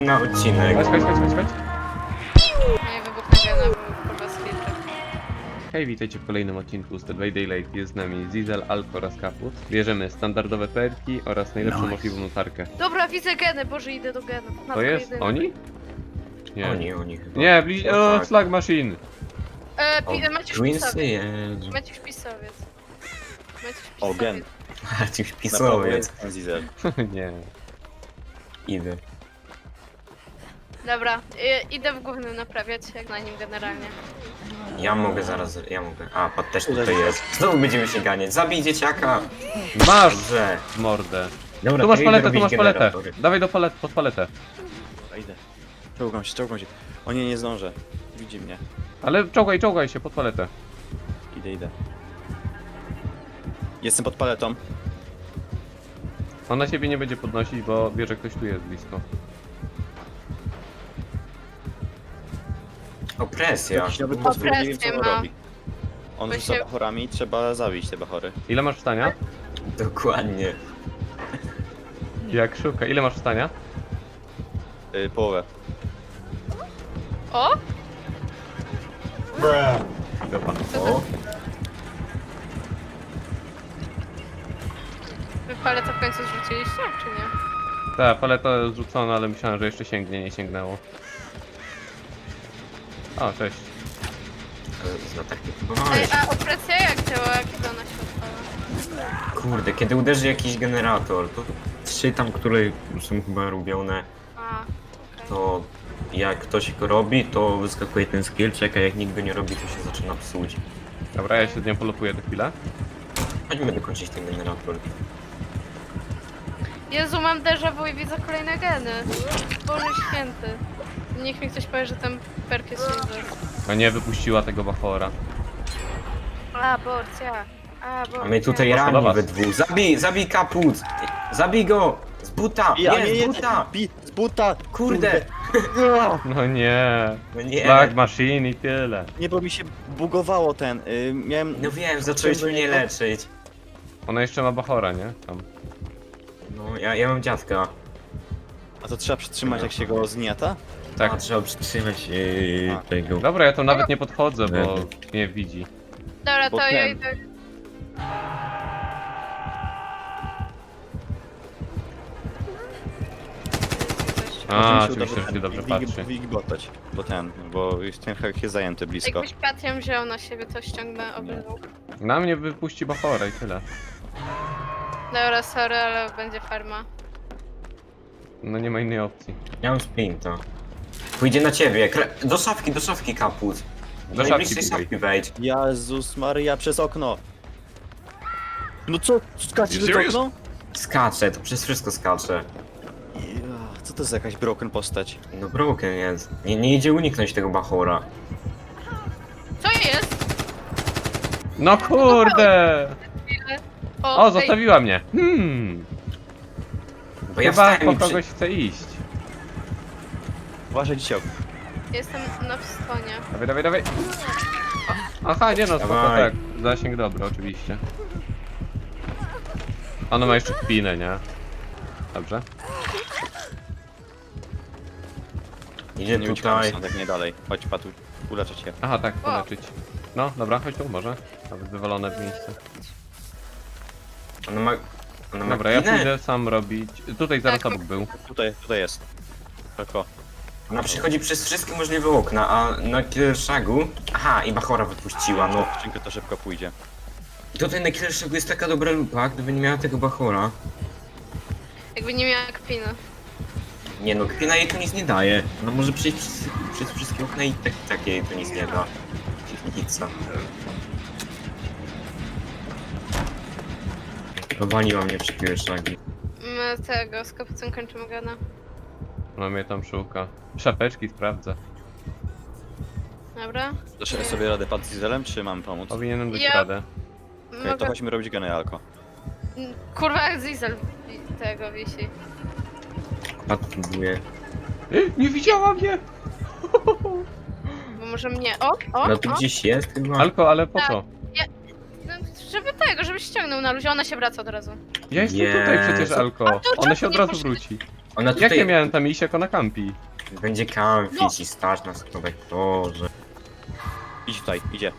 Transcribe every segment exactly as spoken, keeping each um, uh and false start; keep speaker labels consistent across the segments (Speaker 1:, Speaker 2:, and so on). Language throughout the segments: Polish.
Speaker 1: na odcinek.
Speaker 2: Chodź, chodź, chodź, chodź, chodź.
Speaker 3: Nie wybuchnę gena, bo kurwa sklipy.
Speaker 2: Hej, witajcie w kolejnym odcinku z The Day Daylight. Jest z nami Zizel, Alko oraz Kaput. Bierzemy standardowe perki oraz najlepszą możliwą notarkę.
Speaker 3: Dobra, widzę geny, boże idę do genów.
Speaker 2: To
Speaker 3: Matko
Speaker 2: jest?
Speaker 3: jedyna.
Speaker 2: Oni? Nie.
Speaker 1: Oni, oni chyba.
Speaker 2: Nie, bliź...
Speaker 1: O,
Speaker 2: O,
Speaker 1: tak.
Speaker 2: Slag Machine!
Speaker 3: E,
Speaker 1: O,
Speaker 3: pi- Maciuś
Speaker 1: Twinsy,
Speaker 3: pisowiec.
Speaker 1: jezu.
Speaker 3: Maciuś pisowiec. Maciuś
Speaker 4: O,
Speaker 3: pisowiec.
Speaker 4: gen.
Speaker 1: Jakiś
Speaker 4: Na prawo
Speaker 1: pisowiec.
Speaker 4: jest ten Zizel.
Speaker 2: Nie.
Speaker 1: Idę.
Speaker 3: Dobra, i, idę w głównym naprawiać, jak na nim generalnie.
Speaker 1: Ja mogę zaraz, ja mogę. A, pat też tutaj jest. Znowu będziemy się ganiać. Zabij dzieciaka!
Speaker 2: Masz
Speaker 1: Dobrze.
Speaker 2: w mordę.
Speaker 1: Dobra,
Speaker 2: Tu masz
Speaker 1: to idę
Speaker 2: paletę, tu
Speaker 1: robić
Speaker 2: masz paletę.
Speaker 1: generatory.
Speaker 2: Dawaj do palet, pod paletę.
Speaker 4: Dobra, idę. Czołgam się, czołgam się. O nie, nie zdążę. Widzi mnie.
Speaker 2: Ale czołgaj, czołgaj się pod paletę.
Speaker 4: Idę, idę. Jestem pod paletą.
Speaker 2: On na ciebie nie będzie podnosić, bo wie, że ktoś tu jest blisko.
Speaker 1: Opresja.
Speaker 4: Jakiś nowy potwór, nie wiem co on
Speaker 3: Opresję ma.
Speaker 4: robi. On
Speaker 3: Bo
Speaker 4: rzuca
Speaker 3: się-
Speaker 4: bachorami, trzeba zabić te bachory.
Speaker 2: Ile masz wstania?
Speaker 1: Dokładnie.
Speaker 2: Jak szuka. Ile masz wstania?
Speaker 4: Yy, połowę.
Speaker 3: O!
Speaker 2: Dobra.
Speaker 1: O,
Speaker 3: Wy paletę w końcu zrzuciliście, czy nie?
Speaker 2: Ta paleta zrzucona, ale myślałem, że jeszcze sięgnie, nie sięgnęło. O, cześć.
Speaker 1: z latarki
Speaker 3: Ej,
Speaker 1: próbowałeś.
Speaker 3: a opresja jak działa, kiedy ona się odpala?
Speaker 1: Kurde, kiedy uderzy jakiś generator, to trzy tam, które są chyba robione,
Speaker 3: A, okej.
Speaker 1: to jak ktoś go robi, to wyskakuje ten skill check, a jak nikt go nie robi, to się zaczyna psuć.
Speaker 2: Dobra, ja się z nią polupuję do chwilę.
Speaker 1: Chodźmy dokończyć ten generator.
Speaker 3: Jezu, mam déjà vu i widzę kolejne geny. Boże święty. Niech mi ktoś powie, że ten perk jest user.
Speaker 2: A nie, wypuściła tego bachora.
Speaker 3: A, porcja. A, porcja.
Speaker 1: A my tutaj
Speaker 2: Proszę do
Speaker 1: rani
Speaker 2: was.
Speaker 1: we dwóch. Zabij, zabij kaput! Zabij go! Z buta!
Speaker 4: Ja,
Speaker 1: nie,
Speaker 4: nie,
Speaker 1: z
Speaker 4: nie,
Speaker 1: buta!
Speaker 4: Bi, z buta!
Speaker 1: Kurde!
Speaker 2: No nie.
Speaker 1: No nie!
Speaker 2: Slag Machine i tyle.
Speaker 4: Nie, bo mi się bugowało ten. Yy, miałem...
Speaker 1: No wiem, zacząłeś mnie leczyć.
Speaker 2: Ona jeszcze ma bachora, nie? Tam.
Speaker 1: No, ja, ja mam dziadka.
Speaker 4: A to trzeba przytrzymać jak się go zgniata?
Speaker 2: Tak.
Speaker 1: A, trzeba przytrzymać yy,
Speaker 4: A.
Speaker 1: tego.
Speaker 2: Dobra, ja tu nawet nie podchodzę, bo mnie widzi.
Speaker 3: Dobra, to
Speaker 4: Bo
Speaker 3: ja
Speaker 4: ten-
Speaker 3: idę.
Speaker 2: A,
Speaker 4: Może mi się
Speaker 2: oczywiście,
Speaker 4: uda
Speaker 2: że się dobrze
Speaker 4: wig-
Speaker 2: patrzy.
Speaker 4: Wigbotać, bo ten, bo już ten hak jest zajęty blisko.
Speaker 3: Jakbyś Patiem wziął na siebie, to ściągnę obydwu.
Speaker 2: Na mnie wypuści bachora i tyle.
Speaker 3: Dobra, sorry, ale będzie farma.
Speaker 2: No nie ma innej opcji.
Speaker 1: Ja mam sprinta. Pójdzie na ciebie. Kre... Do szafki, do szafki kaput. Do
Speaker 2: szafki
Speaker 1: najbliższej
Speaker 2: biegaj.
Speaker 1: szafki wejdź.
Speaker 4: Jezus Maria, przez okno! No co? Skacze
Speaker 2: You
Speaker 4: przez
Speaker 2: serious?
Speaker 4: okno?
Speaker 1: Skacze, to przez wszystko skacze.
Speaker 4: Ja, co to jest jakaś broken postać?
Speaker 1: No broken jest. Nie, nie idzie uniknąć tego bachora.
Speaker 3: Co jest?
Speaker 2: No kurde!
Speaker 3: O,
Speaker 2: O,
Speaker 3: ej,
Speaker 2: zostawiła mnie. Hmm.
Speaker 1: Bo ja
Speaker 2: Chyba
Speaker 1: wstałem
Speaker 2: po
Speaker 1: i przy...
Speaker 2: kogoś chce iść.
Speaker 4: Uważaj dzisiaj.
Speaker 3: Jestem na wstonie.
Speaker 2: Dawaj, dawaj, dawaj. Aha, nie no, spoko,
Speaker 1: Dawaj.
Speaker 2: tak. Zasięg dobry, oczywiście. Ona ma jeszcze kpinę, nie? Dobrze.
Speaker 1: Idzie
Speaker 4: Nie uciekamy
Speaker 1: tutaj.
Speaker 4: stąd, jak nie dalej. Chodź, Patu, uleczę cię.
Speaker 2: Aha, tak, poleczyć. No, dobra, chodź tu, może. Nawet wywalone w miejsce.
Speaker 1: Ona ma... Ona ma
Speaker 2: Dobra, ja
Speaker 1: klinę?
Speaker 2: pójdę sam robić. Tutaj zaraz
Speaker 3: Tak.
Speaker 2: obok był.
Speaker 4: Tutaj, tutaj jest. Tylko.
Speaker 1: Ona przychodzi przez wszystkie możliwe okna, a na Killershagu... Aha, i bachora wypuściła, no.
Speaker 4: Skrzynkę to szybko pójdzie.
Speaker 1: I tutaj na Killershagu jest taka dobra lupa, gdyby nie miała tego bachora.
Speaker 3: Jakby nie miała kpiny.
Speaker 1: Nie no, kpina jej to nic nie daje. Ona może przejść przez, przez wszystkie okna i tak, tak jej to nic nie da. Pizza. Powaliła mnie przy Killershagi.
Speaker 3: My tego, z kapucem kończymy gana.
Speaker 2: Ona mnie tam szuka. Szapeczki sprawdzę.
Speaker 3: Dobra?
Speaker 4: Dasz sobie radę Pat z Dieselem, czy mam pomóc? Okej,
Speaker 2: Powinienem dać
Speaker 3: Ja-
Speaker 2: radę.
Speaker 3: Mogę...
Speaker 4: to chodźmy robić geny Alko.
Speaker 3: Kurwa, jak Zizel wi- tego wisi.
Speaker 1: Pat próbuje.
Speaker 2: Ej, nie widziała mnie!
Speaker 3: Bo może mnie... O, o,
Speaker 1: No tu
Speaker 3: o.
Speaker 1: gdzieś jest chyba.
Speaker 2: Alko, ale po
Speaker 3: Tak.
Speaker 2: co?
Speaker 3: No, żeby tego, żebyś ściągnął na luzie, ona się wraca od razu.
Speaker 2: Ja jestem tutaj przecież,
Speaker 1: Jezu.
Speaker 2: Alko.
Speaker 3: A to
Speaker 2: Ona
Speaker 3: czemu
Speaker 2: się od
Speaker 3: nie
Speaker 2: razu
Speaker 3: poszedłeś?
Speaker 2: wróci.
Speaker 1: Ona
Speaker 2: Jak
Speaker 1: tutaj
Speaker 2: ja miałem tam iść, jak ona kampi?
Speaker 1: będzie kampić i stać na skórek, Boże.
Speaker 4: Idź tutaj, idzie.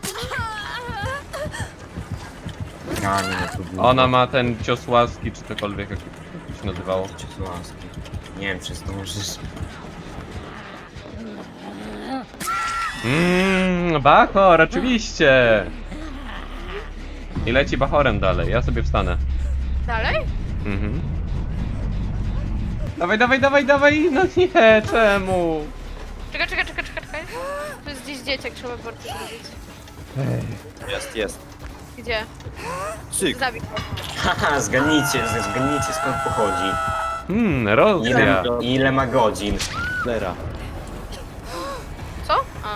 Speaker 1: Kamień na tu długo.
Speaker 2: Ona ma ten cios łaski, czy cokolwiek, jak to się nazywało.
Speaker 1: Cię z łaski. Nie wiem, czy zdążysz.
Speaker 2: Mmm, Bachor, oczywiście! I leci Bachorem dalej, ja sobie wstanę.
Speaker 3: Dalej?
Speaker 2: Mhm. Dawaj, dawaj, dawaj, dawaj! No nie, czemu?
Speaker 3: Czekaj, czekaj, czekaj, czekaj, czekaj. Tu jest gdzieś dzieciak, trzeba bardzo zrobić.
Speaker 4: Jest, jest.
Speaker 3: Gdzie?
Speaker 4: Cyk.
Speaker 3: Zabij go.
Speaker 1: Haha, zgadnijcie, z- zgadnijcie skąd pochodzi.
Speaker 2: Hmm,
Speaker 1: Ile,
Speaker 2: Rosja.
Speaker 1: ile ma godzin.
Speaker 4: Lera.
Speaker 3: Co? A.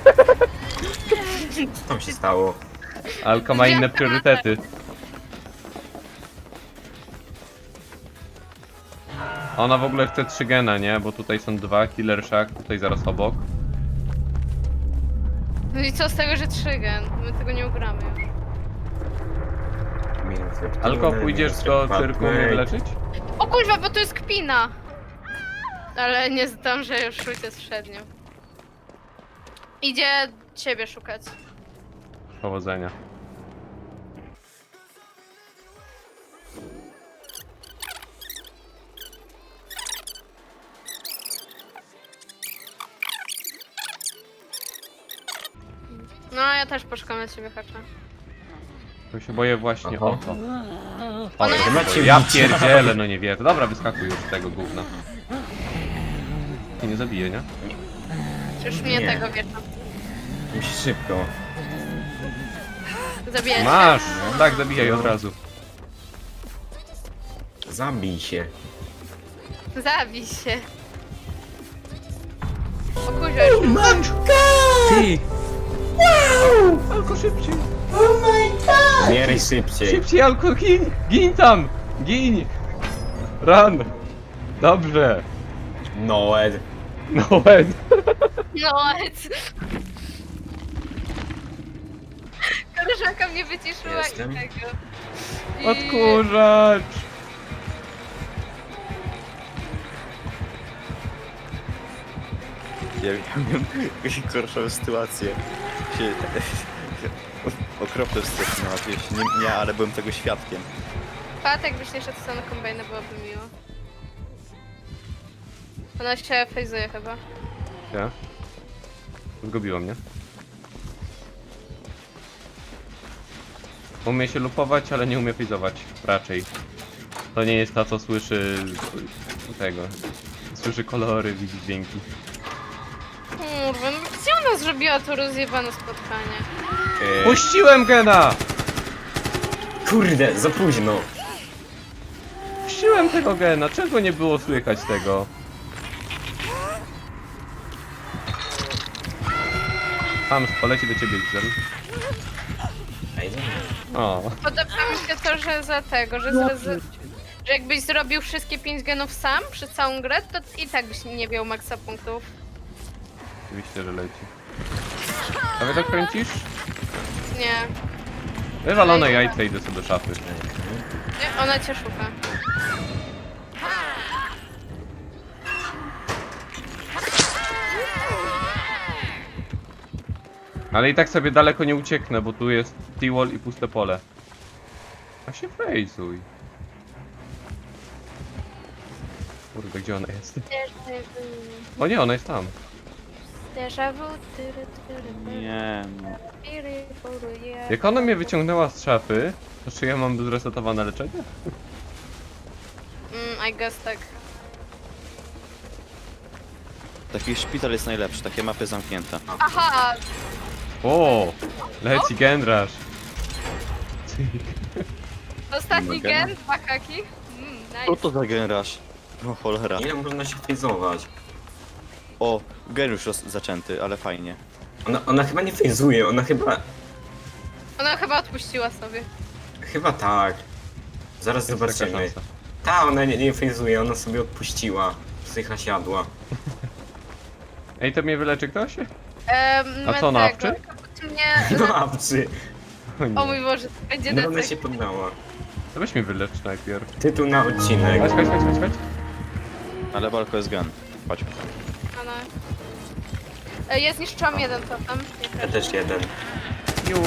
Speaker 1: Co tam się stało?
Speaker 2: Alka ma inne priorytety. Ona w ogóle chce trzy gena, nie? Bo tutaj są dwa, Killer Shack, tutaj zaraz obok.
Speaker 3: No i co z tego, że trzy gen? My tego nie ugramy już.
Speaker 1: Minus reptylny,
Speaker 2: Alko, pójdziesz
Speaker 1: minus
Speaker 2: do
Speaker 1: reptylny.
Speaker 2: cyrku mnie wyleczyć?
Speaker 3: O kurwa, bo to jest kpina! Ale nie zdążę już szukać z przednią. Idzie ciebie szukać.
Speaker 2: Powodzenia.
Speaker 3: No, ja też poszukam na ciebie hacza.
Speaker 2: To się boję właśnie o to.
Speaker 3: Ona
Speaker 2: O,
Speaker 1: macie
Speaker 2: to ja
Speaker 1: bić.
Speaker 2: pierdzielę, no nie wierzę. Dobra, wyskakuj już z tego gówna. I nie zabije, nie?
Speaker 3: Już mnie
Speaker 1: Nie.
Speaker 3: tego wieczą.
Speaker 1: Musisz szybko.
Speaker 3: Zabijać.
Speaker 2: Masz! Tak, zabijaj od razu.
Speaker 1: Zabij się.
Speaker 3: Zabij się. O kurwa, już
Speaker 1: Ty!
Speaker 2: Alko, szybciej!
Speaker 1: Umieraj szybciej.
Speaker 2: Szybciej, Alko, gin! Gin tam! Gin! Run! Dobrze!
Speaker 1: Noed.
Speaker 2: No Ed.
Speaker 3: no ec. Koleżanka mnie wyciszyła
Speaker 1: Jestem.
Speaker 3: i tego. I...
Speaker 2: Odkurzacz!
Speaker 4: Ja miałem gorszą sytuację. Się... Okropne sytuacje na wieś. Nie, nie, ale byłem tego świadkiem.
Speaker 3: Pat, jakbyś nie szedł na kombajnę, byłoby miło. Ona się fejzuje chyba.
Speaker 2: Ja? Zgubiło mnie. Umie się lupować, ale nie umie fizować. Raczej. To nie jest ta, co słyszy... tego. Słyszy kolory, widzi dźwięki.
Speaker 3: Kurwa, no gdzie ona zrobiła to rozjebane spotkanie?
Speaker 1: E,
Speaker 2: Puściłem gena!
Speaker 1: Kurde, za późno.
Speaker 2: Puściłem tego gena, czego nie było słychać tego? Tam poleci do ciebie, Gizel.
Speaker 1: Ej, nie.
Speaker 2: O,
Speaker 3: Podoba mi się to, że za tego, że, z, że jakbyś zrobił wszystkie pięć genów sam przez całą grę, to i tak byś nie miał maksa punktów.
Speaker 2: oczywiście, że leci. A wy to kręcisz?
Speaker 3: Nie,
Speaker 2: Wywalone jajce, idę sobie do szafy.
Speaker 3: nie, ona cię szuka.
Speaker 2: Ale i tak sobie daleko nie ucieknę, bo tu jest T-wall i puste pole. A się fejsuj. Kurde, gdzie ona jest? O nie, ona jest tam.
Speaker 3: Déjà vu, tyry, tyry,
Speaker 4: Nie, no.
Speaker 3: tyry, tyry, yeah.
Speaker 2: Jak ona mnie wyciągnęła z szafy, to czy ja mam zresetowane leczenie?
Speaker 3: Mm, I guess tak.
Speaker 4: Taki szpital jest najlepszy, takie mapy zamknięte.
Speaker 3: Aha!
Speaker 2: O, leci Gendrash.
Speaker 3: Ostatni
Speaker 4: Gena.
Speaker 3: gen, dwa haki. Mm,
Speaker 4: Co
Speaker 3: nice.
Speaker 4: to za generasz? O cholera.
Speaker 1: Ile można się fejzować?
Speaker 4: O, gen już roz- zaczęty, ale fajnie.
Speaker 1: Ona, ona chyba nie fejzuje, ona chyba...
Speaker 3: Ona chyba odpuściła sobie.
Speaker 1: Chyba tak. Zaraz
Speaker 2: Jest taka
Speaker 1: zobaczymy.
Speaker 2: szansa.
Speaker 1: Ta, ona nie, nie fejzuje, ona sobie odpuściła. Psycha siadła.
Speaker 2: Ej, to mnie wyleczy ktoś?
Speaker 3: Ehm,
Speaker 2: A co, na
Speaker 3: tego,
Speaker 2: awczy?
Speaker 3: Mnie...
Speaker 1: No awczy.
Speaker 2: O nie.
Speaker 3: O mój Boże, to będzie
Speaker 1: No ona
Speaker 3: decek.
Speaker 1: się poddała.
Speaker 2: To weź mnie wylecz najpierw.
Speaker 1: Tytuł na odcinek.
Speaker 2: Chodź, chodź, chodź, chodź, chodź.
Speaker 4: Ale walko jest gun. Chodź.
Speaker 3: A no. E, Ja zniszczyłam jeden totem. Nie
Speaker 1: Ja
Speaker 3: proszę.
Speaker 1: też jeden.
Speaker 2: Ju.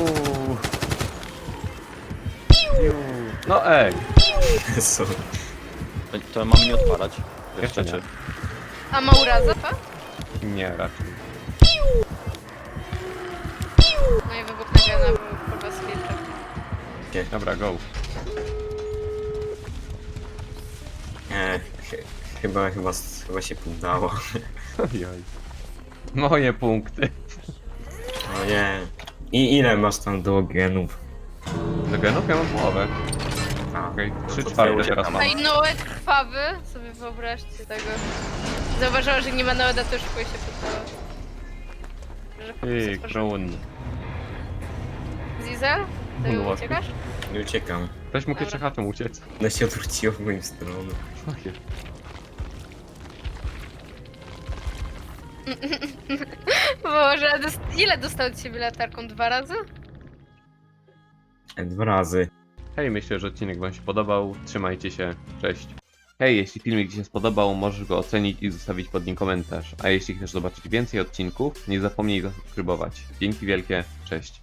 Speaker 2: Ju. No ej,
Speaker 1: Jezu.
Speaker 4: To, to mam nie odpalać.
Speaker 2: Jeszcze nie.
Speaker 4: Czy-
Speaker 3: A ma urazę, to?
Speaker 2: nie raczej.
Speaker 3: No i wybuch na gena był kurwa z filtrem.
Speaker 2: Dobra, go.
Speaker 1: Nie, ch- chyba, chyba, chyba się udało.
Speaker 2: Ojoj. Moje punkty.
Speaker 1: No nie. I ile masz tam do genów?
Speaker 2: Do genów ja mam połowę.
Speaker 1: A,
Speaker 2: Okej,
Speaker 1: no
Speaker 2: trzy
Speaker 1: to
Speaker 2: czwarte
Speaker 1: ja
Speaker 2: teraz
Speaker 1: uciekam.
Speaker 2: mam.
Speaker 3: A i Noed krwawy, sobie wyobraźcie tego. Zauważyła, że nie ma Noeda, to już szybko się pytała. Że po
Speaker 2: Ty,
Speaker 3: prostu
Speaker 2: Kron.
Speaker 3: Zizel? Ty
Speaker 2: No właśnie.
Speaker 3: uciekasz?
Speaker 1: Nie uciekam.
Speaker 2: Ktoś mógł
Speaker 3: Dobra.
Speaker 2: jeszcze chatem uciec.
Speaker 1: Ona się odwróciła w moją stronę.
Speaker 2: Ojej.
Speaker 3: Boże, dos- ile dostał od ciebie latarką? Dwa razy?
Speaker 1: E, Dwa razy.
Speaker 2: Hej, myślę, że odcinek wam się podobał. Trzymajcie się. Cześć. Hej, jeśli filmik ci się spodobał, możesz go ocenić i zostawić pod nim komentarz. A jeśli chcesz zobaczyć więcej odcinków, nie zapomnij zasubskrybować. Dzięki wielkie. Cześć.